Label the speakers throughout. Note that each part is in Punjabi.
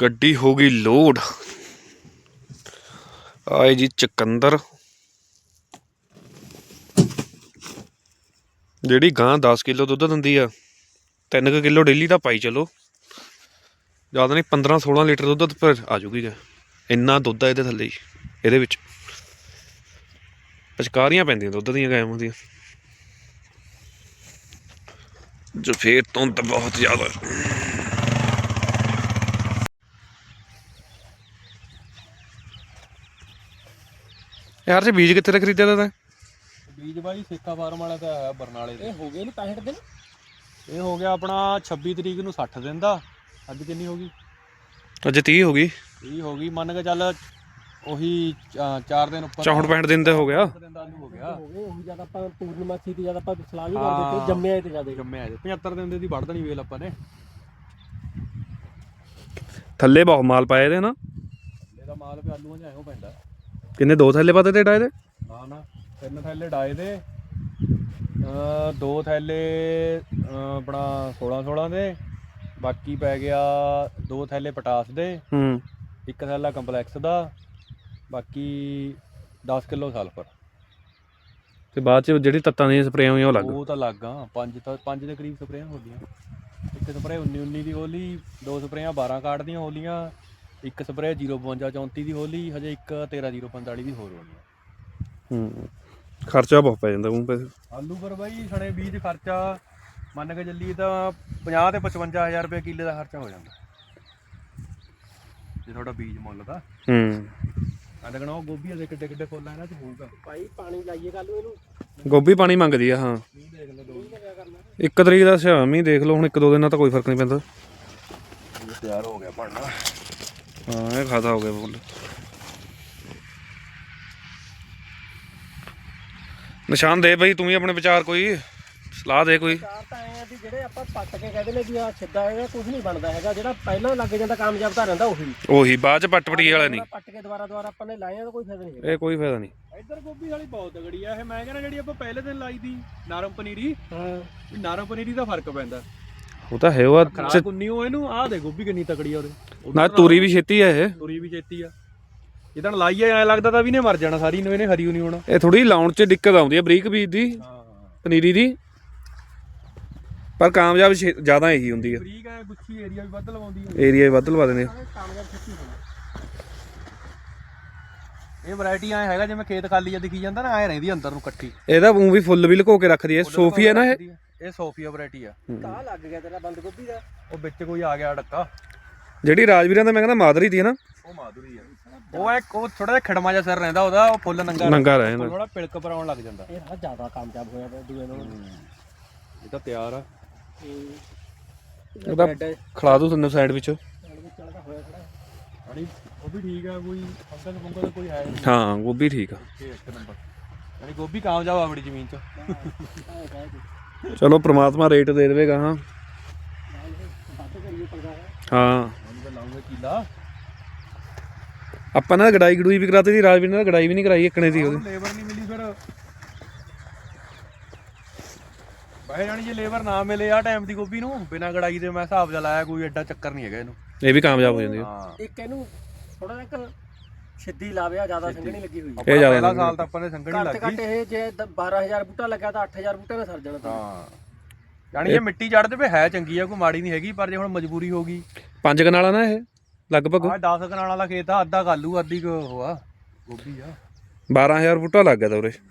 Speaker 1: ਗੱਡੀ ਹੋ ਗਈ ਲੋਡ। ਆਏ ਜੀ ਚੁਕੰਦਰ, ਜਿਹੜੀ ਗਾਂ 10 ਕਿਲੋ ਦੁੱਧ ਦਿੰਦੀ ਆ 3 ਕਿਲੋ ਡੇਲੀ ਦਾ ਪਾਈ ਚਲੋ, ਜ਼ਿਆਦਾ ਨਹੀਂ 15-16 ਲੀਟਰ ਦੁੱਧ ਪਰ ਆ ਜੂਗੀ। ਇੰਨਾ ਦੁੱਧ ਆ ਇਹਦੇ ਥੱਲੇ ਹੀ, ਇਹਦੇ ਵਿੱਚ ਪਚਕਾਰੀਆਂ ਪੈਂਦੀਆਂ ਦੁੱਧ ਦੀਆਂ ਗਾਵਾਂ ਦੀਆਂ। ਜੋ ਫੇਰ ਧੁੰਦ ਬਹੁਤ ਜ਼ਿਆਦਾ। ਯਾਰ ਜੇ ਬੀਜ ਕਿੱਥੇ ਦਾ ਖਰੀਦਿਆ ਤਾ?
Speaker 2: ਬੀਜ ਬਾਈ ਸੇਖਾ ਫਾਰਮ ਵਾਲਾ ਤਾਂ ਆਇਆ ਬਰਨਾਲੇ ਦੇ।
Speaker 3: ਇਹ ਹੋ ਗਏ ਨੇ 65 ਦਿਨ।
Speaker 2: ਇਹ ਹੋ ਗਿਆ ਆਪਣਾ 26 ਤਰੀਕ ਨੂੰ 60 ਦਿਨ ਦਾ। ਅੱਜ ਕਿੰਨੀ ਹੋ ਗਈ?
Speaker 1: ਅੱਜ 30 ਹੋ ਗਈ।
Speaker 2: 30 ਹੋ ਗਈ, ਮੰਨ ਕੇ ਚੱਲ ਉਹੀ 4 ਦਿਨ ਉੱਪਰ
Speaker 1: 64 ਦਿਨ ਦਾ ਹੋ ਗਿਆ।
Speaker 2: ਦਿਨ ਦਾ ਹੋ ਗਿਆ।
Speaker 3: ਉਹੀ ਜਦ ਆਪਾਂ ਪੂਰਨਮਾਸੀ ਤੇ ਜਦ ਆਪਾਂ ਸਲਾਹ ਵੀ ਕਰਦੇ ਤੇ ਜੰਮਿਆ ਤੇ ਜਿਆਦਾ
Speaker 2: ਜੰਮਿਆ 75 ਦਿਨ ਦੀ ਵੱਢ ਦੇਣੀ ਵੇਲ ਆਪਾਂ ਨੇ।
Speaker 1: ਥੱਲੇ ਬਹੁਤ ਮਾਲ ਪਾਏ ਦੇ ਨਾ।
Speaker 2: ਇਹਦਾ ਮਾਲ ਵੀ ਆਲੂਆਂ 'ਚ ਐਹੋ ਪੈਂਦਾ।
Speaker 1: ਕਿੰਨੇ 2 ਥੈਲੇ ਪਾਤੇ ਤੇ ਡਾਏ ਦੇ?
Speaker 2: ਨਾ 3 ਥੈਲੇ ਡਾਏ ਦੇ, 2 ਥੈਲੇ ਆਪਣਾ 16 ਦੇ, ਬਾਕੀ ਪੈ ਗਿਆ 2 ਥੈਲੇ ਪਟਾਸ ਦੇ, 1 ਥੈਲਾ ਕੰਪਲੈਕਸ ਦਾ, ਬਾਕੀ 10 ਕਿਲੋ ਸਲਫਰ।
Speaker 1: ਤੇ ਬਾਅਦ ਚ ਜਿਹੜੀ ਤੱਤਾਂ ਦੀਆਂ ਸਪਰੇਆਂ ਹੋਈਆਂ ਉਹ ਲੱਗ।
Speaker 2: ਉਹ ਤਾਂ ਲੱਗ ਆ 5 ਦੇ ਕਰੀਬ ਸਪਰੇਆਂ ਹੋ ਗਈਆਂ। ਇੱਕ ਸਪਰੇ 19 ਦੀ ਹੋਲੀ, 2 ਸਪਰੇਆਂ 12 ਕਾਰਡ ਦੀਆਂ ਹੋਲੀਆਂ, ਇੱਕ ਸਪਰੇ 052 34 ਦੀ ਹੋਲੀ, ਹਜੇ ਇੱਕ 13 045 ਦੀ ਹੋਰ ਹੋਣੀ।
Speaker 1: ਖਰਚਾ ਬਹੁਤ ਪੈ ਜਾਂਦਾ ਉਹ ਪੈਸੇ।
Speaker 2: ਆਲੂ ਪਰ ਬਾਈ ਸਣੇ ਬੀਜ ਖਰਚਾ ਮੰਨ ਕੇ ਚੱਲੀਏ ਤਾਂ 50 ਤੇ 55 ਹਜ਼ਾਰ ਰੁਪਏ ਕਿੱਲੇ ਦਾ ਖਰਚਾ ਹੋ ਜਾਂਦਾ ਜੇ ਤੁਹਾਡਾ ਬੀਜ ਮੁੱਲ ਦਾ। ਮੈਂ ਲੱਗਣਾ ਉਹ ਗੋਭੀ ਦੇ ਕਿੱਡੇ ਕਿੱਡੇ ਫੁੱਲ ਆ ਇਹਨਾਂ 'ਚ ਹੋਊਗਾ।
Speaker 3: ਭਾਈ ਪਾਣੀ ਲਾਈਏ ਕੱਲ ਨੂੰ ਇਹਨੂੰ।
Speaker 1: ਗੋਭੀ ਪਾਣੀ ਮੰਗਦੀ ਆ। ਹਾਂ
Speaker 2: ਦੇਖ ਲੈ ਦੋ
Speaker 1: 1 ਤਰੀਕ ਦਾ ਸ਼ਾਮੀ ਦੇਖ ਲਓ, ਹੁਣ 1-2 ਦਿਨ ਨਾਲ ਤਾਂ ਕੋਈ ਫਰਕ ਨਹੀਂ ਪੈਂਦਾ।
Speaker 2: ਤਿਆਰ ਹੋ ਗਿਆ ਬਣਨਾ।
Speaker 1: ਹਾਂ ਇਹ ਖਾਦਾ ਹੋ ਗਿਆ ਫੁੱਲ। ਨਿਸ਼ਾਨ ਦੇ ਬਈ, ਤੂੰ ਵੀ ਆਪਣੇ ਵਿਚਾਰ ਕੋਈ ਸਲਾਹ ਦੇ ਕੋਈ।
Speaker 3: ਚਾਰ ਤਾਂ ਐ ਆ ਵੀ ਜਿਹੜੇ ਆਪਾਂ ਪੱਟ ਕੇ ਕਹਿੰਦੇ ਨੇ ਵੀ ਆ ਛਿੱਦਾ ਇਹਦਾ ਕੁਝ ਨਹੀਂ ਬਣਦਾ ਹੈਗਾ, ਜਿਹੜਾ ਪਹਿਲਾਂ ਲੱਗ ਜਾਂਦਾ ਕਾਮਯਾਬ ਤਾਂ ਰਹਿੰਦਾ ਉਹੀ
Speaker 1: ਬਾਅਦ ਚ ਪੱਟ-ਪਟੀ ਵਾਲਾ ਨਹੀਂ।
Speaker 3: ਪੱਟ ਕੇ ਦੁਬਾਰਾ ਆਪਾਂ ਨੇ ਲਾਇਆ ਤਾਂ ਕੋਈ ਫਾਇਦਾ ਨਹੀਂ ਹੈਗਾ।
Speaker 1: ਇਹ ਕੋਈ ਫਾਇਦਾ ਨਹੀਂ।
Speaker 2: ਇੱਧਰ ਗੋਭੀ ਵਾਲੀ ਬਹੁਤ ਤਗੜੀ ਆ ਇਹ। ਮੈਂ ਕਹਿੰਦਾ ਜਿਹੜੀ ਆਪਾਂ ਪਹਿਲੇ ਦਿਨ ਲਾਈ ਦੀ ਨਰਮ ਪਨੀਰੀ,
Speaker 3: ਹਾਂ
Speaker 2: ਨਰਮ ਪਨੀਰੀ ਦਾ ਫਰਕ ਪੈਂਦਾ।
Speaker 1: ਉਹ ਤਾਂ ਹੈ ਉਹ
Speaker 2: ਖਰਾਕ ਉੰਨੀ ਉਹ ਇਹਨੂੰ ਆਹ ਦੇ ਗੋਭੀ ਕਿੰਨੀ ਤਕੜੀ ਆ ਉਹਦੇ
Speaker 1: ਨਾ। ਤੁਰੀ ਵੀ ਛੇਤੀ ਆ ਇਹ।
Speaker 2: ਤੁਰੀ ਵੀ ਛੇਤੀ ਆ। ਜਿੱਦਣ ਲਾਈਏ ਐ ਲੱਗਦਾ ਤਾਂ ਵੀ ਨੇ ਮਰ ਜਾਣਾ ਸਾਰੀ ਨੂੰ, ਇਹਨੇ ਹਰੀ ਨਹੀਂ ਹੋਣਾ।
Speaker 1: ਇਹ ਥੋੜੀ ਲਾਉਣ ਚ ਦਿੱਕਤ ਆਉਂਦੀ ਹੈ ਬਰੀਕ ਬੀਜ ਦੀ, ਪਨੀਰੀ ਦੀ, ਪਰ ਕਾਮਯਾਬ ਜ਼ਿਆਦਾ ਇਹੀ ਹੁੰਦੀ ਹੈ।
Speaker 2: ਬਰੀਕ ਐ ਗੁੱਛੀ ਏਰੀਆ ਵੀ ਵੱਧ ਲਵਾਉਂਦੀ ਹੈ।
Speaker 1: ਏਰੀਆ ਵੀ ਵੱਧ ਲਵਾ ਦਿੰਦੇ।
Speaker 3: ਕਾਮਯਾਬ ਛੇਤੀ ਹੋਣਾ।
Speaker 2: ਇਹ ਵੈਰਾਈਟੀ ਐ ਹੈਗਾ ਜਿਵੇਂ ਖੇਤ ਖਾਲੀ ਆ ਦਿਖੀ ਜਾਂਦਾ ਨਾ, ਐ ਰਹਿੰਦੀ ਅੰਦਰ ਨੂੰ ਇਕੱਠੀ।
Speaker 1: ਇਹਦਾ ਉਹ ਵੀ ਫੁੱਲ ਵੀ ਲੁਕੋ ਕੇ ਰੱਖਦੀ ਹੈ। ਸੋਫੀ ਹੈ ਨਾ
Speaker 2: ਇਹ ਸੋਫੀਆ ਵੈਰਾਈਟੀ ਆ।
Speaker 3: ਕਾਹ ਲੱਗ ਗਿਆ ਤੇਰਾ ਬੰਦ ਗੋਭੀ ਦਾ।
Speaker 2: ਉਹ ਵਿੱਚ ਕੋਈ ਆ ਗਿਆ ਡੱਕਾ।
Speaker 1: ਜਿਹੜੀ ਰਾਜਵੀਰਾਂ ਦਾ ਮੈਂ ਕਹਿੰਦਾ ਮਾਦਰੀ ਦੀ ਹੈ ਨਾ,
Speaker 2: ਉਹ ਮਾਧੁਰੀ ਆ। ਉਹ ਥੋੜਾ ਜਿਹਾ ਖੜਮਾ ਜਿਹਾ ਸਿਰ ਰਹਿੰਦਾ ਉਹਦਾ, ਉਹ ਫੁੱਲ
Speaker 1: ਨੰਗਾ ਰਹਿ ਜਾਂਦਾ,
Speaker 2: ਥੋੜਾ ਪਿਲਕ ਪਰ ਆਉਣ ਲੱਗ ਜਾਂਦਾ।
Speaker 3: ਇਹ ਬਹੁਤ ਜ਼ਿਆਦਾ ਕਾਮਯਾਬ ਹੋਇਆ ਪਿਆ ਦੂਏ ਨਾਲੋਂ।
Speaker 2: ਇਹ ਤਾਂ ਤਿਆਰ ਆ।
Speaker 1: ਉਹਦਾ ਖਿਲਾ ਦੂ ਤੁਹਾਨੂੰ ਸਾਈਡ ਵਿੱਚ।
Speaker 2: ਉਹ ਵੀ ਠੀਕ ਆ, ਕੋਈ ਫੰਗਲ ਫੁੰਗਲ ਕੋਈ ਹੈ ਨਹੀਂ।
Speaker 1: ਹਾਂ ਗੋਭੀ ਠੀਕ ਆ।
Speaker 2: ਇੱਕ ਨੰਬਰ ਯਾਨੀ ਗੋਭੀ ਕਾਮਯਾਬ ਆ ਬੜੀ ਜ਼ਮੀਨ 'ਚ।
Speaker 1: ਚਲੋ ਪ੍ਰਮਾਤਮਾ ਰੇਟ ਦੇ ਦੇਵੇਗਾ। ਹਾਂ ਹਾਂ
Speaker 2: ਲਾਉਂਗੇ ਕੀਲਾ।
Speaker 1: ਆਪਾਂ ਨਾ ਗੜਾਈ ਗੜੂਈ ਵੀ ਕਰਾਤੀ ਸੀ, ਰਾਜਵੀਰ ਨਾਲ ਗੜਾਈ ਵੀ ਨਹੀਂ ਕਰਾਈ ਇੱਕਣੇ ਦੀ। ਉਹਦੀ
Speaker 2: ਲੇਬਰ ਨਹੀਂ ਮਿਲੀ ਫਿਰ ਬਾਹਰ ਜਾਣੀ। ਜੇ ਲੇਬਰ ਨਾ ਮਿਲੇ ਆ ਟਾਈਮ ਦੀ ਗੋਭੀ ਨੂੰ ਬਿਨਾਂ ਗੜਾਈ ਦੇ, ਮੈਂ ਹਿਸਾਬ ਜਿਹਾ ਲਾਇਆ, ਕੋਈ ਐਡਾ ਚੱਕਰ ਨਹੀਂ ਹੈਗਾ ਇਹਨੂੰ।
Speaker 1: ਇਹ ਵੀ ਕਾਮਯਾਬ ਹੋ ਜਾਂਦੀ ਹੈ।
Speaker 2: ਹਾਂ
Speaker 3: ਇੱਕ ਇਹਨੂੰ ਥੋੜਾ ਜਿਹਾ ਸਿੱਧੀ ਲਾਵਿਆ, ਜ਼ਿਆਦਾ ਸੰਘਣੀ ਲੱਗੀ ਹੋਈ
Speaker 1: ਇਹ ਜ਼ਿਆਦਾ
Speaker 2: ਪਹਿਲਾ ਸਾਲ ਤਾਂ ਆਪਾਂ ਨੇ ਸੰਘਣੀ ਲੱਗੀ।
Speaker 3: ਘੱਟ ਇਹ ਜੇ 12000 ਬੂਟਾ ਲੱਗਾ ਤਾਂ 8000 ਬੂਟੇ ਨਾਲ ਸਰ ਜਾਣਾ।
Speaker 2: ਹਾਂ ਯਾਨੀ ਇਹ ਮਿੱਟੀ ਚੜ੍ਹਦੇ ਪਏ ਹੈ ਚੰਗੀ ਆ, ਕੋਈ ਮਾੜੀ ਨਹੀਂ ਹੈਗੀ। ਪਰ ਜੇ ਹੁਣ ਮਜਬੂਰੀ ਹੋ ਗਈ।
Speaker 1: 5 ਕਨਾਲਾਂ ਨਾ ਇਹ ਲਗਭਗ।
Speaker 2: ਆਹ 10 ਕਨਾਲਾਂ ਵਾਲਾ ਖੇਤ ਆ, ਅੱਧਾ ਕਾਲੂ ਅੱਧੀ ਉਹ ਆ ਗੋਭੀ ਆ।
Speaker 1: 12000 ਬੂਟਾ ਲੱਗ ਗਿਆ ਤਾ ਉਰੇ।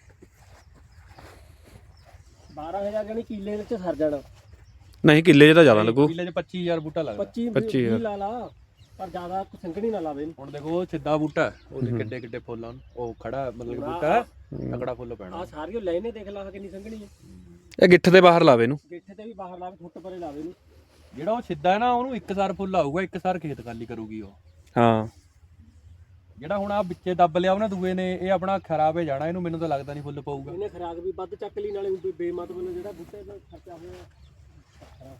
Speaker 3: 12000 ਜਾਨੀ ਕਿੱਲੇ ਵਿੱਚ ਸਰ ਜਾਣਾ।
Speaker 1: ਨਹੀਂ ਕਿੱਲੇ 'ਚ ਤਾਂ ਜ਼ਿਆਦਾ ਲੱਗੂ।
Speaker 2: ਕਿੱਲੇ 'ਚ 25000 ਬੂਟਾ ਲੱਗਦਾ।
Speaker 3: 25 ਲਾ ਲਾ, ਪਰ ਜ਼ਿਆਦਾ ਸੰਘਣੀ ਨਾ ਲਾਵੇ।
Speaker 2: ਹੁਣ ਦੇਖੋ ਸਿੱਧਾ ਬੂਟਾ, ਉਹਦੇ ਕਿੱਡੇ ਕਿੱਡੇ ਫੁੱਲ ਆ, ਉਹ ਖੜਾ ਮਤਲਬ ਬੂਟਾ ਤਕੜਾ ਫੁੱਲ ਪੈਣਾ।
Speaker 3: ਆ ਸਾਰੀਓ ਲੈਨੇ ਦੇਖ ਲਾ ਕਿੰਨੀ ਸੰਘਣੀ ਹੈ।
Speaker 1: ਇਹ ਗਿੱਠ ਦੇ ਬਾਹਰ ਲਾਵੇ ਇਹਨੂੰ,
Speaker 3: ਗਿੱਠੇ ਤੇ ਵੀ ਬਾਹਰ ਲਾਵੇ, ਫੁੱਟ ਪਰੇ ਲਾਵੇ ਇਹਨੂੰ।
Speaker 2: ਜਿਹੜਾ ਉਹ ਸਿੱਧਾ ਹੈ ਨਾ, ਉਹਨੂੰ ਇੱਕ ਸਾਰ ਫੁੱਲ ਆਊਗਾ, ਇੱਕ ਸਾਰ ਖੇਤ ਖਾਲੀ ਕਰੂਗੀ ਉਹ।
Speaker 1: ਹਾਂ
Speaker 2: ਜਿਹੜਾ ਹੁਣ ਆ ਵਿੱਚੇ ਦੱਬ ਲਿਆ ਉਹਨਾਂ ਦੂਏ ਨੇ, ਇਹ ਆਪਣਾ ਖਰਾਬ ਹੋ ਜਾਣਾ। ਇਹਨੂੰ ਮੈਨੂੰ ਤਾਂ ਲੱਗਦਾ ਨਹੀਂ ਫੁੱਲ ਪਊਗਾ।
Speaker 3: ਇਹਨੇ ਖਰਾਕ ਵੀ ਵੱਧ ਚੱਕ ਲਈ, ਨਾਲੇ ਬੇਮਤਲਬ ਜਿਹੜਾ ਬੂਟੇ ਦਾ ਖਰਚਾ ਹੋਇਆ।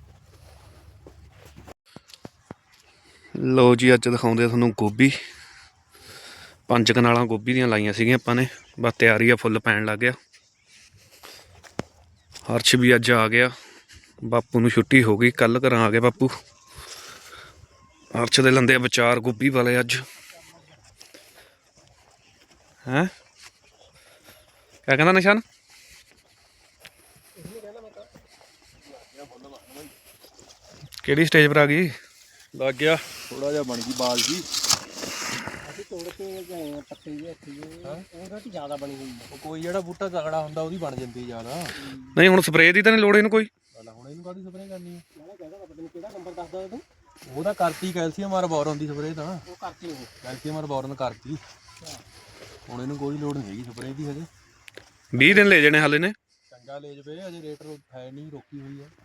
Speaker 1: ਲੋ ਜੀ ਅੱਜ ਦਿਖਾਉਂਦੇ ਤੁਹਾਨੂੰ ਗੋਭੀ। 5 ਕਨਾਲਾਂ ਗੋਭੀ ਦੀਆਂ ਲਾਈਆਂ ਸੀਗੀਆਂ ਆਪਾਂ ਨੇ, ਬਸ ਤਿਆਰੀ ਆ, ਫੁੱਲ ਪੈਣ ਲੱਗ ਗਿਆ। ਹਰਸ਼ ਵੀ ਅੱਜ ਆ ਗਿਆ, ਬਾਪੂ ਨੂੰ ਛੁੱਟੀ ਹੋ ਗਈ, ਕੱਲ ਘਰਾਂ ਆ ਗਿਆ ਬਾਪੂ। ਅਰਸ਼ ਦੇ ਲੰਦੇ ਵਿਚਾਰ ਗੋਭੀ ਵਾਲੇ ਅੱਜ ਹੈ ਕਿਆ ਕਹਿੰਦਾ ਨਿਸ਼ਾਨ ਕਿਹੜੀ ਸਟੇਜ ਪਰ ਆ ਗਈ
Speaker 2: ਲੱਗ ਗਿਆ ਥੋੜਾ ਜਿਹਾ ਬਣ ਗਈ ਬਾਲ ਜੀ
Speaker 3: ਅਸੀਂ ਤੋੜ ਕੇ ਗਏ ਆ ਪੱਤੇ ਜਿਹੇ ਇੱਥੇ ਉਹਦਾ ਤੇ ਜ਼ਿਆਦਾ ਬਣੀ ਹੋਈ
Speaker 2: ਉਹ ਕੋਈ ਜਿਹੜਾ ਬੂਟਾ ਤਗੜਾ ਹੁੰਦਾ ਉਹਦੀ ਬਣ ਜਾਂਦੀ ਜ਼ਿਆਦਾ
Speaker 1: ਨਹੀਂ ਹੁਣ ਸਪਰੇਅ ਦੀ ਤਾਂ ਨਹੀਂ ਲੋੜ ਇਹਨੂੰ ਕੋਈ
Speaker 2: ਹੁਣ ਇਹਨੂੰ ਕਾਹਦੀ ਸਪਰੇਅ ਕਰਨੀ ਹੈ
Speaker 3: ਮੈਂ ਕਹਿੰਦਾ ਪਤਾ ਨਹੀਂ ਕਿਹੜਾ ਨੰਬਰ ਦੱਸਦਾ ਤੂੰ
Speaker 2: ਉਹਦਾ ਕਰਤੀ ਕੈਲਸ਼ੀਅਮ ਔਰ ਬੋਰਨ ਦੀ ਸਪਰੇਅ ਤਾਂ
Speaker 3: ਉਹ ਕਰਤੀ ਉਹ
Speaker 2: ਕੈਲਸ਼ੀਅਮ ਔਰ ਬੋਰਨ ਕਰਤੀ ਹੁਣ ਇਹਨੂੰ ਕੋਈ ਲੋੜ ਨਹੀਂ ਹੈਗੀ ਸਪਰੇਅ ਦੀ ਹਜੇ
Speaker 1: 20 ਦਿਨ ਲੈ ਜਾਣੇ ਹਾਲੇ ਨੇ
Speaker 2: ਚੰਗਾ ਲੈ ਜਵੇ ਅਜੇ ਰੇਟ ਹੈ ਨਹੀਂ ਰੋਕੀ ਹੋਈ ਹੈ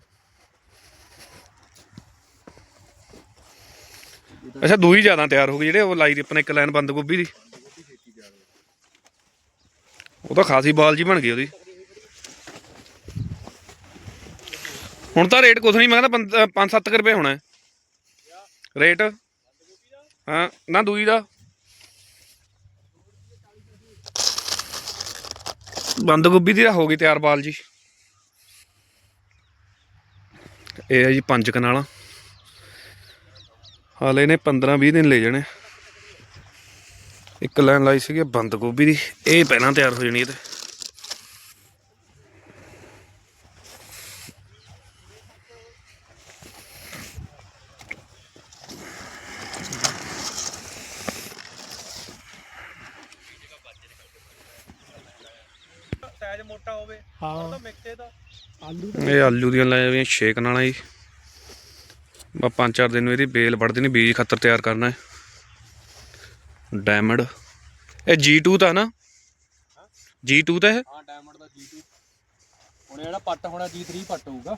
Speaker 1: ਅੱਛਾ ਦੂਈ ਜ਼ਿਆਦਾ ਤਿਆਰ ਹੋ ਗਈ ਜਿਹੜੇ ਉਹ ਲਾਈ ਦੀ ਆਪਣੇ ਇੱਕ ਲਾਈਨ ਬੰਦ ਗੋਭੀ ਦੀ ਉਹ ਤਾਂ ਖਾਸੀ ਬਾਲ ਜੀ ਬਣ ਗਈ ਉਹਦੀ ਹੁਣ ਤਾਂ ਰੇਟ ਕੁਛ ਨਹੀਂ ਮੈਂ ਕਹਿੰਦਾ 5-7 ਰੁਪਏ ਹੋਣਾ ਰੇਟ ਹਾਂ ਨਾ ਦੂਈ ਦਾ ਬੰਦ ਗੋਭੀ ਦੀ ਤਾਂ ਹੋ ਗਈ ਤਿਆਰ ਬਾਲ ਜੀ ਇਹ ਹੈ ਜੀ 5 ਕਨਾਲਾਂ ਹਾਲੇ ਨੇ 15-20 ਦਿਨ ਲੈ ਜਾਣੇ ਇੱਕ ਲਾਈਨ ਲਾਈ ਸੀਗੀ ਬੰਦ ਗੋਭੀ ਦੀ ਇਹ ਪਹਿਲਾਂ ਤਿਆਰ ਹੋ ਜਾਣੀ ਇਹ ਤੇ
Speaker 2: ਸਾਈਜ਼ ਮੋਟਾ ਹੋਵੇ
Speaker 3: ਹਾਂ
Speaker 2: ਮਿਕਸੇ ਦਾ
Speaker 3: ਆਲੂ
Speaker 1: ਇਹ ਆਲੂ ਦੀਆਂ ਲੈ ਜਾਣੀਆਂ 6 ਕਨਾਲਾਂ ਜੀ ਬਸ 5-4 ਦਿਨ ਨੂੰ ਇਹਦੀ ਬੇਲ ਵੱਢ ਦੇਣੀ ਬੀਜ ਖੱਤਰ ਤਿਆਰ ਕਰਨਾ ਹੈ ਡਾਇਮੰਡ ਇਹ G2 ਤਾਂ ਨਾ G2 ਤਾਂ ਇਹ
Speaker 2: ਹਾਂ ਡਾਇਮੰਡ ਦਾ G2 ਹੁਣ ਜਿਹੜਾ ਪੱਟ ਹੋਣਾ G3 ਪੱਟ ਹੋਊਗਾ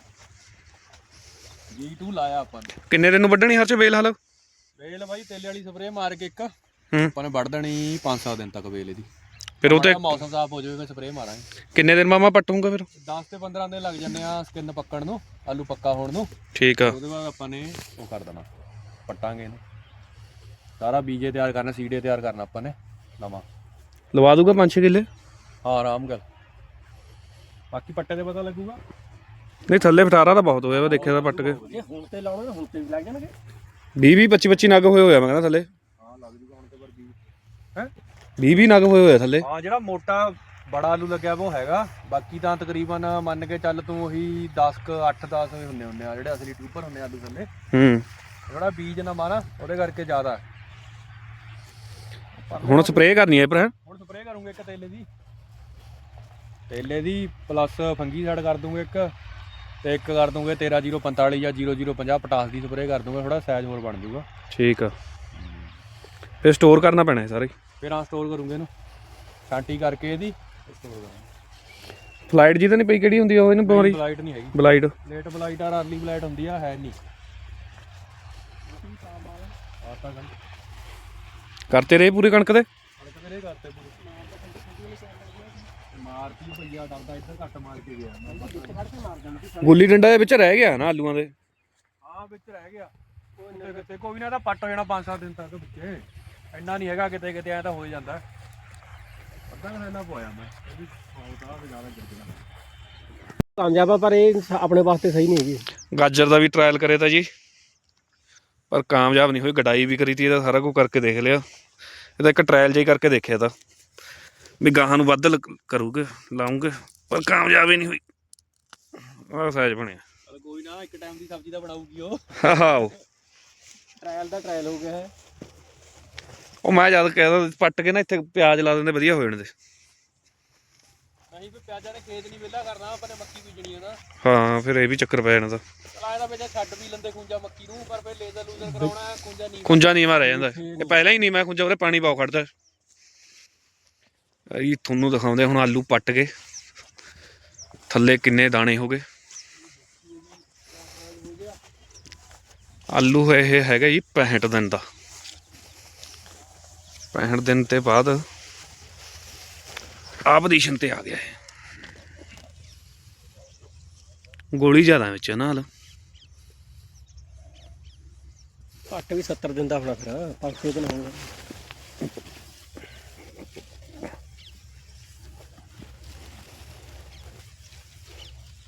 Speaker 2: G2 ਲਾਇਆ ਆਪਾਂ ਨੇ
Speaker 1: ਕਿੰਨੇ ਦਿਨ ਨੂੰ ਵੱਢਣੀ ਹਰ ਚ ਬੇਲ ਹਾਲ
Speaker 2: ਵੇਲ ਬਾਈ ਤੇਲੇ ਵਾਲੀ ਸਪਰੇਅ ਮਾਰ ਕੇ ਇੱਕ
Speaker 1: ਹੂੰ
Speaker 2: ਆਪਾਂ ਨੇ ਵੱਢ ਦੇਣੀ 5-7 ਦਿਨ ਤੱਕ ਵੇਲ ਇਹਦੀ
Speaker 1: ਫਿਰ ਉਹ ਤੇ
Speaker 2: ਮੌਸਮ ਸਾਫ ਹੋ ਜਾਵੇ ਸਪਰੇਅ ਮਾਰਾਂਗੇ
Speaker 1: ਕਿੰਨੇ ਦਿਨ ਮਾਮਾ ਪੱਟੂਗਾ ਫਿਰ
Speaker 2: 10 ਤੇ 15 ਦਿਨ ਲੱਗ ਜਾਂਦੇ ਆ ਸਕਿਨ ਪੱਕਣ ਨੂੰ ਆਲੂ ਪੱਕਾ ਹੋਣ ਨੂੰ
Speaker 1: ਠੀਕ ਆ
Speaker 2: ਉਹਦੇ ਬਾਅਦ ਆਪਾਂ ਨੇ ਉਹ ਕਰ ਦੇਣਾ ਪੱਟਾਂਗੇ ਇਹਨੂੰ ਸਾਰਾ ਬੀਜੇ ਤਿਆਰ ਕਰਨਾ ਸੀਡੇ ਤਿਆਰ ਕਰਨਾ ਆਪਾਂ ਨੇ ਨਵਾਂ
Speaker 1: ਲਵਾ ਦੂਗਾ 5-6 ਕਿੱਲੇ
Speaker 2: ਹਾਂ ਆਰਾਮ ਗੱਲ ਬਾਕੀ ਪੱਟੇ ਤੇ ਪਤਾ ਲੱਗੂਗਾ
Speaker 1: ਨਹੀਂ ਥੱਲੇ ਫਟਾਰਾ ਤਾਂ ਬਹੁਤ ਹੋਇਆ ਵਾ ਦੇਖਿਆ ਤਾਂ ਪੱਟ ਕੇ
Speaker 3: ਜੇ ਹੁਣ ਤੇ ਲਾਉਣਾ ਹੁਣ ਤੇ ਵੀ ਲੱਗ ਜਾਣਗੇ
Speaker 1: 20-20 25-25 ਨਗ ਹੋਏ ਹੋਇਆ ਮੈਂ ਕਹਿੰਦਾ ਥੱਲੇ
Speaker 2: ਹਾਂ ਲੱਗ ਜੂਗਾ ਹੁਣ ਤੇ ਪਰ ਬੀਜ ਹੈ
Speaker 1: 20-20 ਨਗ ਹੋਏ ਹੋਇਆ ਥੱਲੇ
Speaker 2: ਹਾਂ ਜਿਹੜਾ ਮੋਟਾ ਬੜਾ ਆਲੂ ਲੱਗਿਆ ਉਹ ਹੈਗਾ ਬਾਕੀ ਤਾਂ ਤਕਰੀਬਨ ਮੰਨ ਕੇ ਚੱਲ ਤੂੰ ਉਹੀ 8-10 ਹੁੰਦੇ ਆ ਜਿਹੜੇ ਅਸਲੀ ਟਿਊਬਰ ਹੁੰਦੇ ਆਲੂ ਥੱਲੇ
Speaker 1: ਹੂੰ
Speaker 2: ਜਿਹੜਾ ਬੀਜ ਨਾ ਮਾਰਾ ਉਹਦੇ ਕਰਕੇ ਜ਼ਿਆਦਾ
Speaker 1: ਹੁਣ ਸਪਰੇਅ ਕਰਨੀ ਹੈ ਪਰ
Speaker 2: ਹੁਣ ਸਪਰੇਅ ਕਰੂੰਗੇ ਇੱਕ ਤੇਲੇ ਦੀ ਪਲੱਸ ਫੰਗੀਸਾਈਡ ਕਰ ਦੂੰਗੇ ਇੱਕ ਤੇ ਇੱਕ ਕਰ ਦੂੰਗੇ 13045 ਜਾਂ 0050 ਪਟਾਸ ਦੀ ਸਪਰੇਅ ਕਰ ਦੂੰਗਾ ਥੋੜਾ ਸਾਈਜ਼ ਹੋਰ ਬਣ ਜਾਊਗਾ
Speaker 1: ਠੀਕ ਆ ਫਿਰ ਸਟੋਰ ਕਰਨਾ ਪੈਣਾ ਹੈ ਸਾਰੇ
Speaker 2: ਫਿਰ ਆ ਸਟੋਰ ਕਰੂੰਗੇ ਇਹਨੂੰ ਛਾਂਟੀ ਕਰਕੇ ਇਹਦੀ ਸਟੋਰ ਕਰਾਂਗੇ
Speaker 1: ਫਲਾਈਟ ਜੀ ਤਾਂ ਨਹੀਂ ਪਈ ਕਿਹੜੀ ਹੁੰਦੀ ਆ ਉਹ ਇਹਨੂੰ ਬਿਮਾਰੀ
Speaker 2: ਬਲਾਈਟ ਨਹੀਂ ਹੈਗੀ
Speaker 1: ਬਲਾਈਟ
Speaker 2: ਲੇਟ ਬਲਾਈਟ ਆ ਅਰਲੀ ਬਲਾਈਟ ਹੁੰਦੀ ਆ ਹੈ ਨਹੀਂ ਆਤਾ ਗੰਢ
Speaker 1: ਕਰਤੇ ਰਹੇ ਪੂਰੀ ਕਣਕ ਦੇ
Speaker 2: ਕਰੇ ਕਰਤੇ ਪੂਰੇ ਮਾਰਤੀ ਭਈਆ ਡਰਦਾ ਇੱਧਰ ਘੱਟ ਮਾਰ ਕੇ ਗਿਆ
Speaker 1: ਗੁੱਲੀ ਡੰਡਾ ਦੇ ਵਿੱਚ ਰਹਿ ਗਿਆ ਨਾ ਆਲੂਆਂ ਦੇ
Speaker 2: ਹਾਂ ਵਿੱਚ ਰਹਿ ਗਿਆ ਕਿਤੇ ਕੋਈ ਨਾ ਤਾਂ ਪੱਟ ਹੋ ਜਾਣਾ 5-7 ਦਿਨ ਤੱਕ ਵਿੱਚੇ ਇੰਨਾ ਨਹੀਂ ਹੈਗਾ ਕਿਤੇ ਕਿਤੇ ਐ ਤਾਂ ਹੋ ਜਾਂਦਾ ਅੱਧਾ ਘੰਟਾ ਪੋਇਆ ਮੈਂ ਇਹ ਵੀ ਫੌਲਦਾ ਤੇ ਜ਼ਿਆਦਾ ਗਿਰ ਗਿਆ
Speaker 3: ਕਾਮਯਾਬ ਆ ਪਰ ਇਹ ਆਪਣੇ ਵਾਸਤੇ ਸਹੀ ਨਹੀਂ ਹੈਗੀ
Speaker 1: ਗਾਜਰ ਦਾ ਵੀ ਟਰਾਇਲ ਕਰੇ ਤਾਂ ਜੀ ਪਰ ਕਾਮਯਾਬ ਨਹੀਂ ਹੋਈ ਗਡਾਈ ਵੀ ਕਰੀ ਤੀ ਇਹਦਾ ਸਾਰਾ ਕੁਝ ਕਰਕੇ ਦੇਖ ਲਿਆ ਇਹਦਾ ਇੱਕ ਟਰਾਇਲ ਜਿਹਾ ਕਰਕੇ ਦੇਖਿਆ ਤਾਂ ਵੀ ਗਾਹਾਂ ਨੂੰ ਵੱਧ ਕਰੂਗੇ ਲਾਉਂਗੇ ਪਰ ਕਾਮਯਾਬ ਹੀ ਨਹੀਂ ਹੋਈ ਆਹ ਸਾਈਜ਼ ਬਣਿਆ
Speaker 2: ਚਲ ਕੋਈ ਨਾ ਇੱਕ ਟਾਈਮ ਦੀ ਸਬਜ਼ੀ ਤਾਂ ਬਣਾਊਗੀ ਉਹ
Speaker 1: ਆਹੋ
Speaker 3: ਟ੍ਰਾਇਲ ਦਾ ਟ੍ਰਾਇਲ ਹੋ ਗਿਆ ਹੈ
Speaker 1: ਉਹ ਮੈਂ ਜਦ ਕਹਿਦਾ ਪੱਟ ਕੇ ਨਾ ਇੱਥੇ ਪਿਆਜ਼ ਲਾ ਦਿੰਦੇ ਵਧੀਆ ਹੋ ਜਾਣਦੇ
Speaker 2: ਨਹੀਂ ਵੀ ਪਿਆਜ਼ਾਂ ਨੇ ਖੇਤ ਨਹੀਂ ਵਿਹਲਾ ਕਰਨਾ ਆਪਾਂ ਨੇ ਮੱਕੀ ਬੀਜਣੀ ਹੈ ਨਾ
Speaker 1: ਹਾਂ ਫਿਰ ਇਹ ਵੀ ਚੱਕਰ ਪੈ ਜਾਣਾ ਤਾਂ
Speaker 2: ਚਲਾਏ ਦਾ ਵਿੱਚ ਛੱਡ ਵੀ ਲੰਦੇ ਖੁੰਜਾ ਮੱਕੀ ਨੂੰ ਪਰ ਫਿਰ ਲੇਜ਼ਰ ਲੂਜ਼ਰ ਕਰਾਉਣਾ ਖੁੰਜਾ ਨਹੀਂ
Speaker 1: ਖੁੰਜਾ ਨੀਵਾਂ ਰਹਿ ਜਾਂਦਾ ਇਹ ਪਹਿਲਾਂ ਹੀ ਨਹੀਂ ਮੈਂ ਖੁੰਜਾ ਉਹਦੇ ਪਾਣੀ ਪਾਉ ਖੜਦਾ ਇਹ ਤੁਹਾਨੂੰ ਦਿਖਾਉਂਦੇ ਹੁਣ ਆਲੂ ਪੱਟ ਕੇ ਥੱਲੇ ਕਿੰਨੇ ਦਾਣੇ ਹੋ ਗਏ ਆਲੂ ਇਹ ਹੈਗਾ ਜੀ 65 ਦਿਨ ਦਾ 65 ਦਿਨ ਤੇ ਬਾਅਦ ਆ ਪੋਜੀਸ਼ਨ ਤੇ ਆ ਗਿਆ ਇਹ ਗੋਲੀ ਜ਼ਿਆਦਾ ਵਿੱਚ ਨਾਲ
Speaker 3: ਘੱਟ ਵੀ 70 ਦਿਨ ਦਾ ਹੋਣਾ ਫਿਰ 5-6 ਦਿਨ ਹੋਣਗੇ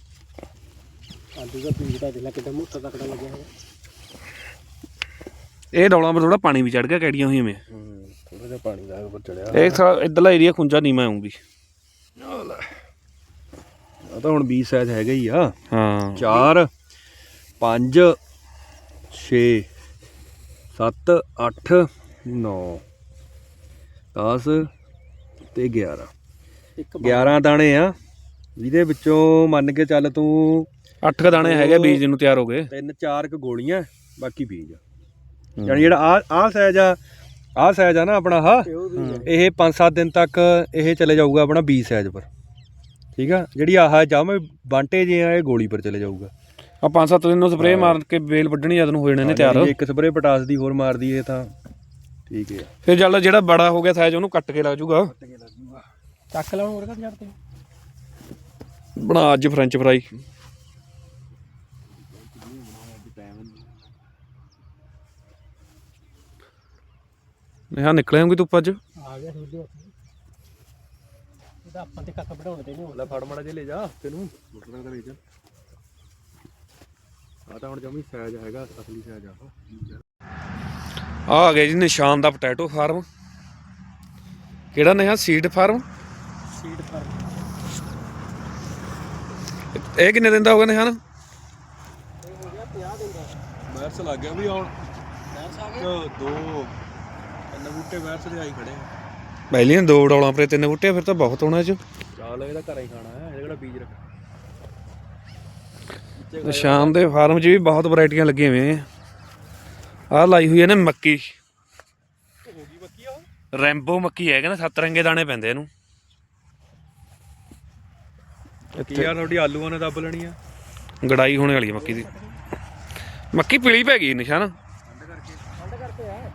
Speaker 3: ਆਲੂ ਦਾ ਬੀਜ ਦਾ ਜਿਹੜਾ ਕਿੱਦਾਂ ਮੋਟਾ ਤਕੜਾ ਲੱਗਿਆ ਹੈ
Speaker 1: ਇਹ ਡੌਲਾਂ 'ਤੇ ਥੋੜਾ ਪਾਣੀ ਵੀ ਚੜ ਗਿਆ ਕੈੜੀਆਂ ਹੋਈਆਂ ਮੈਂ
Speaker 2: ਥੋੜਾ ਜਿਹਾ ਪਾਣੀ ਦਾ ਉੱਪਰ ਚੜਿਆ
Speaker 1: ਇਹ ਥੋੜਾ ਇੱਧਰਲਾ ਏਰੀਆ ਖੁੰਝਾ ਨੀਵਾਂ ਆਉਂਗੀ
Speaker 2: ਆ ਤਾਂ ਹੁਣ 20 ਸਾਈਜ਼ ਹੈਗਾ ਹੀ ਆ
Speaker 1: ਹਾਂ
Speaker 2: 4 5 6 7 8 9 10 ਤੇ 11
Speaker 3: ਇੱਕ
Speaker 2: 11 ਦਾਣੇ ਆ ਜਿਹਦੇ ਵਿੱਚੋਂ ਮੰਨ ਕੇ ਚੱਲ ਤੂੰ
Speaker 1: 8 ਕ ਦਾਣੇ ਹੈਗੇ ਬੀਜ ਨੂੰ ਤਿਆਰ ਹੋ ਗਏ
Speaker 2: 3-4 ਕ ਗੋਲੀਆਂ ਬਾਕੀ ਬੀਜ ਯਾਨੀ ਜਿਹੜਾ ਆ ਸਾਈਜ਼ ਆ ਨਾ ਆਪਣਾ ਇਹ 5-7 ਦਿਨ ਤੱਕ ਇਹ ਚਲੇ ਜਾਊਗਾ ਆਪਣਾ 20 ਸਾਈਜ਼ ਪਰ ਠੀਕ ਆ ਜਿਹੜੀ ਆਹ ਜਾਵੇਂ ਬਾਂਟੇ ਜੇ ਆ ਇਹ ਗੋਲੀ ਪਰ ਚਲੇ ਜਾਊਗਾ
Speaker 1: ਆ 5-7 ਦਿਨ ਨੂੰ ਸਪਰੇਅ ਮਾਰ ਕੇ ਵੇਲ ਵੱਢਣੀ ਜਦ ਨੂੰ ਹੋ ਜਾਣੇ ਨੇ ਤਿਆਰ
Speaker 2: ਇੱਕ ਸਪਰੇਅ ਪਟਾਸ ਦੀ ਹੋਰ ਮਾਰਦੀ ਇਹ ਤਾਂ ਠੀਕ ਹੈ
Speaker 1: ਫਿਰ ਚੱਲ ਜਿਹੜਾ ਬੜਾ ਹੋ ਗਿਆ ਸਾਈਜ਼ ਉਹਨੂੰ ਕੱਟ ਕੇ ਲੱਗ ਜੂਗਾ
Speaker 3: ਚੱਕ ਲਾਉਣ ਹੋਰ ਕਰ ਤੇ
Speaker 1: ਬਣਾ ਅੱਜ ਫ੍ਰੈਂਚ ਫਰਾਈ ਨਿਹਾ ਨਿਕਲੇ ਹੋਗੇ ਧੁੱਪ ਅੱਜ
Speaker 3: ਆ ਗਿਆ ਸੂਰਜ ਇਹਦਾ ਆਪਾਂ ਤੇ ਕੱਖ ਵਢਾਉਣ ਤੇ ਨਹੀਂ
Speaker 2: ਲੈ ਫੜ ਮੜਾ ਜੇ ਲੈ ਜਾ ਤੈਨੂੰ ਮੋਟਰ ਦਾ ਲੈ ਜਾ ਆ ਤਾਂ ਹੁਣ ਜਮੀ ਸਾਈਜ਼ ਹੈਗਾ ਅਸਲੀ ਸਾਈਜ਼
Speaker 1: ਆ ਗਿਆ ਜੀ ਨਿਸ਼ਾਨ ਦਾ ਪੋਟੈਟੋ ਫਾਰਮ ਕਿਹੜਾ ਨਿਹਾ ਸੀਡ ਫਾਰਮ
Speaker 3: ਸੀਡ ਫਾਰਮ
Speaker 1: ਇਹ ਕਿੰਨੇ ਦਿਨ ਦਾ ਹੋ ਗਿਆ ਨਿਸ਼ਾਨ
Speaker 3: ਇਹ ਹੋ ਗਿਆ 50 ਦਿਨ ਦਾ
Speaker 2: ਵਾਇਰਸ ਲੱਗ ਗਿਆ ਵੀ ਹੁਣ ਦੋ ਤਿੰਨ ਬੂਟੇ ਵਾਇਰਸ ਦੇ ਆਈ ਖੜੇ ਆ
Speaker 1: ਪਹਿਲੀਆਂ 2 ਡੌਲਾਂ ਪਰੇ 3 ਬੂਟੇ ਫਿਰ ਤਾਂ ਬਹੁਤ ਹੋਣਾ ਚ
Speaker 2: ਚਾਲ ਇਹਦਾ ਘਰ ਹੀ ਖਾਣਾ ਹੈ ਇਹ ਕਿਹੜਾ ਬੀਜ ਰੱਖ
Speaker 1: ਨਿਸ਼ਾਨ ਦੇ ਫਾਰਮ 'ਚ ਵੀ ਬਹੁਤ ਵੈਰਾਈਟੀਆਂ ਲੱਗੀਆਂ ਹੋਈਆਂ ਆਹ ਲਾਈ ਹੋਈ ਹੈ ਨੇ ਮੱਕੀ
Speaker 2: ਹੋ ਗਈ ਮੱਕੀ ਆ
Speaker 1: ਰੈਂਬੋ ਮੱਕੀ ਹੈ ਕਹਿੰਦਾ 7 ਰੰਗੇ ਦਾਣੇ ਪੈਂਦੇ ਇਹਨੂੰ
Speaker 2: ਕੀ ਯਾਰ ਤੁਹਾਡੀ ਆਲੂਆਂ ਨੇ ਦੱਬ ਲੈਣੀ ਆ
Speaker 1: ਗੜਾਈ ਹੋਣੇ ਵਾਲੀ ਹੈ ਮੱਕੀ ਦੀ ਮੱਕੀ ਪੀਲੀ ਪੈ ਗਈ ਨਿਸ਼ਾਨ
Speaker 3: ਠੰਡ ਕਰਕੇ ਆ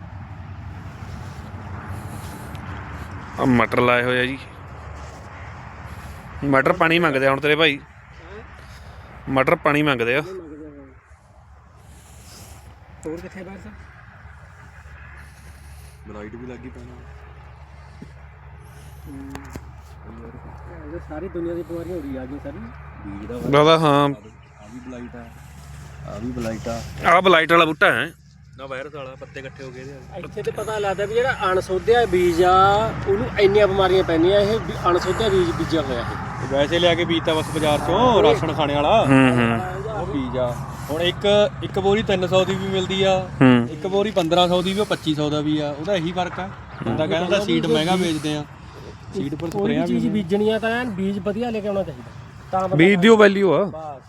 Speaker 1: ਆ ਮਟਰ ਲਾਏ ਹੋਏ ਆ ਜੀ ਮਟਰ ਪਾਣੀ ਮੰਗਦੇ ਆ ਹੁਣ ਤੇਰੇ ਭਾਈ ਮਟਰ ਪਾਣੀ ਮੰਗਦੇ ਆ
Speaker 3: ਹੋਰ ਕਿੱਥੇ ਬਾਹਰ ਸਾ
Speaker 2: ਬਲਾਈਟ ਵੀ ਲੱਗੀ ਪੈਣਾ
Speaker 3: ਇਹ ਸਾਰੀ ਦੁਨੀਆ ਦੀ ਬਿਮਾਰੀਆਂ ਹੋ ਰਹੀ ਆ ਗਈ ਸਾਰੀ
Speaker 2: ਬੀਜ ਦਾ
Speaker 1: ਦਾਦਾ ਹਾਂ
Speaker 2: ਆ ਵੀ ਬਲਾਈਟ ਆ ਵੀ ਬਲਾਈਟ ਆ
Speaker 1: ਆਹ ਬਲਾਈਟ ਵਾਲਾ ਬੂਟਾ ਹੈ
Speaker 2: ਨਾ ਵਾਇਰਸ ਵਾਲਾ ਪੱਤੇ ਇਕੱਠੇ ਹੋ ਗਏ ਇਹਦੇ
Speaker 3: ਇੱਥੇ ਤੇ ਪਤਾ ਲੱਗਦਾ ਵੀ ਜਿਹੜਾ ਅਣਸੋਧਿਆ ਬੀਜ ਆ ਉਹਨੂੰ ਇੰਨੀਆਂ ਬਿਮਾਰੀਆਂ ਪੈਂਦੀਆਂ ਇਹ ਅਣਸੋਧਿਆ ਬੀਜ ਬੀਜਿਆ ਹੋਇਆ ਇਹ
Speaker 2: ਵੈਸੇ ਲਿਆ ਕੇ ਬੀਜਤਾ ਬਸ ਬਾਜ਼ਾਰ ਚੋਂ ਰਾਸ਼ਨ ਖਾਣੇ ਵਾਲਾ ਉਹ ਬੀਜ ਆ ਹੁਣ ਇੱਕ ਬੋਰੀ 300 ਦੀ ਵੀ ਮਿਲਦੀ ਆ ਇੱਕ ਬੋਰੀ 1500 ਦੀ ਵੀ ਉਹ 2500 ਦਾ ਵੀ ਆ ਉਹਦਾ ਇਹੀ ਫਰਕ ਆ ਬੰਦਾ ਕਹਿੰਦਾ ਸੀਡ ਮਹਿੰਗਾ ਵੇਚਦੇ ਆ ਸੀਡ ਪਰ
Speaker 3: ਕੋਈ ਵੀ ਚੀਜ਼ ਬੀਜਣੀ ਆ ਤਾਂ ਐਨ ਬੀਜ ਵਧੀਆ ਲੈ ਕੇ ਆਉਣਾ ਚਾਹੀਦਾ ਤਾਂ ਬੰਦਾ
Speaker 1: ਬੀਜ ਦੀ ਵੈਲਿਊ ਆ
Speaker 3: ਬਸ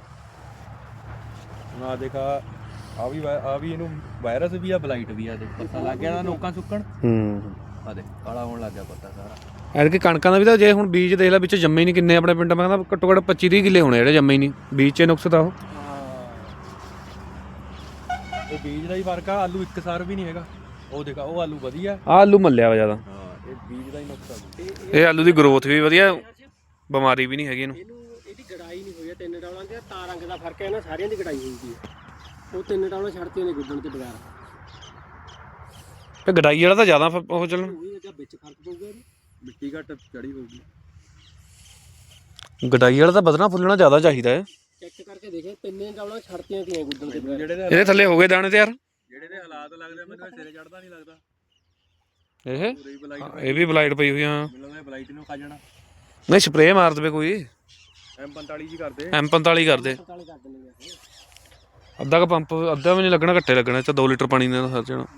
Speaker 2: ਨਾ ਦੇਖਾ ਆ ਵੀ ਇਹਨੂੰ ਵਾਇਰਸ ਵੀ ਆ ਬਲਾਈਟ ਵੀ ਆ ਦੇਖ ਪਤਾ ਲੱਗ ਗਿਆ ਨਾ ਨੋਕਾਂ ਸੁੱਕਣ ਆ ਦੇ ਕਾਲਾ ਹੋਣ ਲੱਗ ਗਿਆ ਪੱਤਾ ਸਾਰਾ
Speaker 1: ਐਤਕੀ ਕਣਕਾਂ ਦਾ ਵੀ ਤਾਂ ਜੇ ਹੁਣ ਬੀਜ ਦੇਖ ਲੈ ਵਿੱਚ ਜੰਮੇ ਹੀ ਨਹੀਂ ਕਿੰਨੇ ਆਪਣੇ ਪਿੰਡ ਮੈਂ ਕਹਿੰਦਾ ਘੱਟੋ ਘੱਟ 25-30 ਕਿੱਲੇ ਹੋਣੇ ਜਿਹੜੇ ਜੰਮੇ ਹੀ ਨਹੀਂ ਬੀਜ 'ਚ ਨੁਕਸ ਤਾਂ ਉਹ
Speaker 2: ਇਹ ਬੀਜ ਦਾ ਹੀ ਫਰਕ ਆ ਆਲੂ ਇੱਕ ਸਾਰ ਵੀ ਨਹੀਂ ਹੈਗਾ ਉਹ ਦੇਖਾ ਉਹ ਆਲੂ ਵਧੀਆ
Speaker 1: ਆਹ ਆਲੂ ਮੱਲਿਆ ਵਾ ਜ਼ਿਆਦਾ
Speaker 2: ਹਾਂ ਇਹ ਬੀਜ ਦਾ ਹੀ ਨੁਕਸ ਆ
Speaker 1: ਇਹ ਆਲੂ ਦੀ ਗਰੋਥ ਵੀ ਵਧੀਆ ਬਿਮਾਰੀ ਵੀ ਨਹੀਂ ਹੈਗੀ ਇਹਨੂੰ
Speaker 3: ਇਹਦੀ ਗੜਾਈ ਨਹੀਂ ਹੋਈ ਆ 3 ਡੌਲਾਂ ਤੇ ਤਾਂ ਰੰਗ ਦਾ ਫਰਕ ਹੈ ਇਹਨਾਂ ਸਾਰਿਆਂ ਦੀ ਗੜਾਈ ਹੋਈ ਸੀ ਉਹ 3 ਡੌਲਾਂ ਛੱਡਤੀਆਂ ਨੇ ਗੁੱਦਣ ਤੇ ਬਗੈਰ
Speaker 1: ਤੇ ਗਡਾਈ ਵਾਲਾ ਤਾਂ ਜ਼ਿਆਦਾ ਉਹ ਚੱਲਣ
Speaker 3: ਉਹੀ ਜਾਂ ਵਿੱਚ ਫਰਕ ਪਊਗਾ ਇਹਨੂੰ
Speaker 2: ਮਿੱਟੀ ਘੱਟ ਚੜੀ ਹੋਊਗੀ
Speaker 1: ਗਡਾਈ ਵਾਲਾ ਤਾਂ ਵਧਣਾ ਫੁੱਲਣਾ ਜ਼ਿਆਦਾ ਚਾਹੀਦਾ ਹੈ
Speaker 3: ਚੈੱਕ ਕਰਕੇ ਦੇਖੇ 3 ਡੌਲਾਂ ਛੱਡਤੀਆਂ ਤੀਆਂ ਗੁੱਦਣ ਤੇ ਬਗੈਰ
Speaker 2: ਜਿਹੜੇ
Speaker 1: ਇਹਦੇ ਥੱਲੇ ਹੋ ਗਏ ਦਾਣੇ ਤਿਆਰ
Speaker 2: ਜਿਹੜੇ ਦੇ ਹਾਲਾਤ ਲੱਗਦੇ ਮੈਨੂੰ ਸਿਰੇ ਚੜਦਾ ਨਹੀਂ ਲੱਗਦਾ
Speaker 1: ਇਹ
Speaker 2: ਪੂਰੀ ਬਲਾਈਟ
Speaker 1: ਇਹ ਵੀ ਬਲਾਈਟ ਪਈ ਹੋਈ ਆ
Speaker 2: ਮੈਨੂੰ ਲੱਗਦਾ ਬਲਾਈਟ ਨੂੰ ਖਾ ਜਾਣਾ
Speaker 1: ਨਹੀਂ ਸਪਰੇਅ ਮਾਰ ਦੇਵੇ ਕੋਈ
Speaker 2: M45 ਜੀ ਕਰਦੇ
Speaker 1: M45 ਕਰਦੇ
Speaker 3: 45 ਕਰ ਦਿੰਦੇ ਆ
Speaker 1: ਅੱਧਾ ਕ ਪੰਪ ਅੱਧਾ ਵੀ ਨਹੀਂ ਲੱਗਣਾ ਘੱਟੇ ਲੱਗਣਾ ਤੇ 2 ਲੀਟਰ ਪਾਣੀ ਨਾਲ ਸਰ ਜਾਣਾ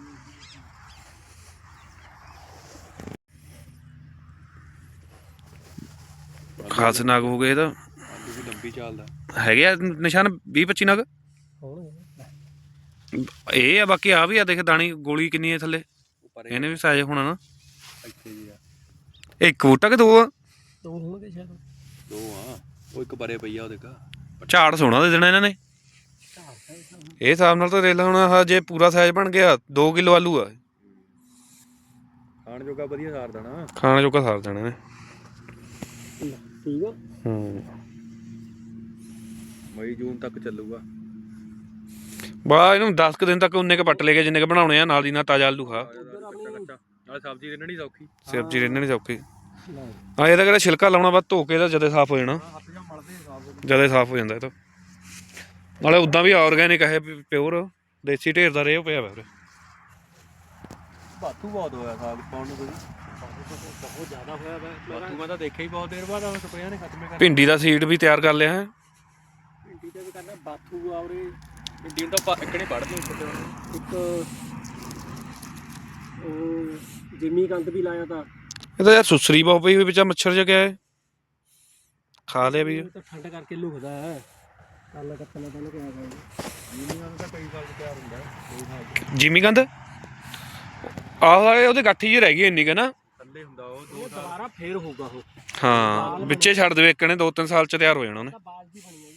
Speaker 1: ਖਾਸ ਨਾਗ ਹੋ ਗਏ ਇਹਦਾ
Speaker 2: ਆਲੂ ਵੀ ਲੰਬੀ ਚੱਲਦਾ
Speaker 1: ਹੈਗੇ ਆ ਨਿਸ਼ਾਨ 20-25 ਨਗ
Speaker 3: ਹੋਣਗੇ
Speaker 1: ਇਹ ਆ ਬਾਕੀ ਆ ਵੀ ਆ ਦੇਖ ਦਾਣੀ ਗੋਲੀ ਕਿੰਨੀ ਹੈ ਥੱਲੇ
Speaker 2: ਉੱਪਰ
Speaker 1: ਇਹਨੇ ਵੀ ਸਾਇਜ਼ ਹੋਣਾ ਨਾ
Speaker 2: ਇੱਥੇ ਜੀ ਆ
Speaker 1: ਇੱਕ ਬੂਟਾ ਕਿ 2 ਆ
Speaker 3: 2 ਹੋਣਗੇ ਸ਼ਾਇਦ
Speaker 2: ਦੋ ਆ ਉਹ ਇੱਕ ਪਰੇ ਪਈ ਆ ਉਹ ਦੇਖਾ
Speaker 1: ਝਾੜ ਸੋਹਣਾ ਦੇ ਦੇਣਾ ਇਹਨਾਂ ਨੇ ਇਹ ਹਿਸਾਬ ਨਾਲ ਤਾਂ ਰੇਲਾ ਹੁਣ ਆਹ ਜੇ ਪੂਰਾ ਸਾਈਜ਼ ਬਣ ਗਿਆ 2 ਕਿਲੋ ਆਲੂ ਆ
Speaker 2: ਖਾਣ ਜੋਗਾ ਵਧੀਆ ਸਾਰ ਦੇਣਾ
Speaker 1: ਖਾਣ ਜੋਗਾ ਸਾਰ ਦੇਣਾ ਨੇ
Speaker 3: ਠੀਕ ਆ
Speaker 2: ਮਈ ਜੂਨ ਤੱਕ ਚੱਲੂਗਾ
Speaker 1: ਬਾ ਇਹਨੂੰ 10 ਕੁ ਦਿਨ ਤੱਕ ਉਨੇ ਕ ਪੱਟ ਲੈ ਕੇ ਜਿੰਨੇ ਕ ਬਣਾਉਣੇ ਆ ਨਾਲ ਦੀ ਨਾਲ ਤਾਜ਼ਾ ਆਲੂ ਖਾ
Speaker 2: ਨਾਲ ਸਬਜ਼ੀ ਰਿੰਨਣੀ ਸੌਖੀ
Speaker 1: ਸਬਜ਼ੀ ਰਹਿਣੇ ਸੌਖੀ ਹਾਂ ਇਹਦਾ ਕਿਹੜਾ ਛਿਲਕਾ ਲਾਉਣਾ ਬਾਅਦ ਧੋ ਕੇ ਇਹਦਾ ਜਦੇ ਸਾਫ਼ ਹੋ ਜਾਣਾ
Speaker 2: ਹੱਥ ਜਾਂ ਮਲਦੇ ਸਾਫ
Speaker 1: ਜਦੇ ਸਾਫ਼ ਹੋ ਜਾਂਦਾ ਇਹ ਤਾਂ ਨਾਲੇ ਉਦਾਂ ਵੀ ਆਰਗੈਨਿਕ ਹੈ ਪਿਓਰ ਦੇਸੀ ਢੇਰ ਦਾ ਰੇਹ ਪਿਆ ਵਾ
Speaker 2: ਬਾਥੂ ਬਹੁਤ ਹੋਇਆ ਸਾਗ ਪਾਉਣ ਨੂੰ ਕੋਈ
Speaker 3: ਬਹੁਤ ਜ਼ਿਆਦਾ ਹੋਇਆ ਵਾ
Speaker 2: ਬਾਥੂ ਮੈਂ ਤਾਂ ਦੇਖਿਆ ਹੀ ਬਹੁਤ ਦੇਰ ਬਾਅਦ ਆ ਸਪਰੇਆਂ ਨੇ ਖਤਮੇ ਕਰ
Speaker 1: ਭਿੰਡੀ ਦਾ ਸੀਡ ਵੀ ਤਿਆਰ ਕਰ ਲਿਆ ਹੈ।
Speaker 3: ਭਿੰਡੀ ਤੇ ਵੀ ਕਰਨਾ ਬਾਥੂ ਆ ਉਰੇ
Speaker 2: ਭਿੰਡੀ ਨੂੰ ਤਾਂ ਇੱਕਣੇ ਪੜ੍ਹਨੀ
Speaker 3: ਇੱਕ ਉਹ ਜਿਮੀ ਕੰਦ ਵੀ ਲਾਇਆ ਤਾਂ
Speaker 1: ਇਹ ਤਾਂ ਯਾਰ ਸੁਸਰੀ ਬਹੁਤ ਪਈ ਹੋਈ ਵਿੱਚ ਮੱਛਰ ਜਿਹਾ ਗਿਆ ਹੈ ਖਾ ਲਿਆ ਵੀ
Speaker 3: ਇਹ ਤਾਂ ਠੰਡ ਕਰਕੇ ਲੁਕਦਾ ਹੈ ਕੱਲ ਕੱਟਣਾ ਪਹਿਲਾਂ ਕਿਹਾ ਗਿਆ
Speaker 2: ਜੀਨੀਆਂ ਦਾ ਕਈ ਸਾਲ ਤਿਆਰ ਹੁੰਦਾ ਕੋਈ ਸਾਲ
Speaker 1: ਜਿਮੀ ਕੰਦ ਆਹ ਵਾਲੇ ਉਹਦੇ ਗਾਠੀ ਜਿਹੀ ਰਹਿ ਗਈ ਇੰਨੀ ਕੁ ਨਾ
Speaker 2: ਥੱਲੇ ਹੁੰਦਾ ਉਹ
Speaker 3: ਉਹ ਦੁਬਾਰਾ ਫੇਰ ਹੋਊਗਾ ਉਹ
Speaker 1: ਹਾਂ ਵਿੱਚੇ ਛੱਡ ਦੇਵੇ ਇੱਕ ਨੇ 2-3 ਸਾਲ ਚ ਤਿਆਰ ਹੋ ਜਾਣਾ ਉਹਨੇ
Speaker 3: ਬਾਲ ਦੀ ਬਣੀ ਹੈ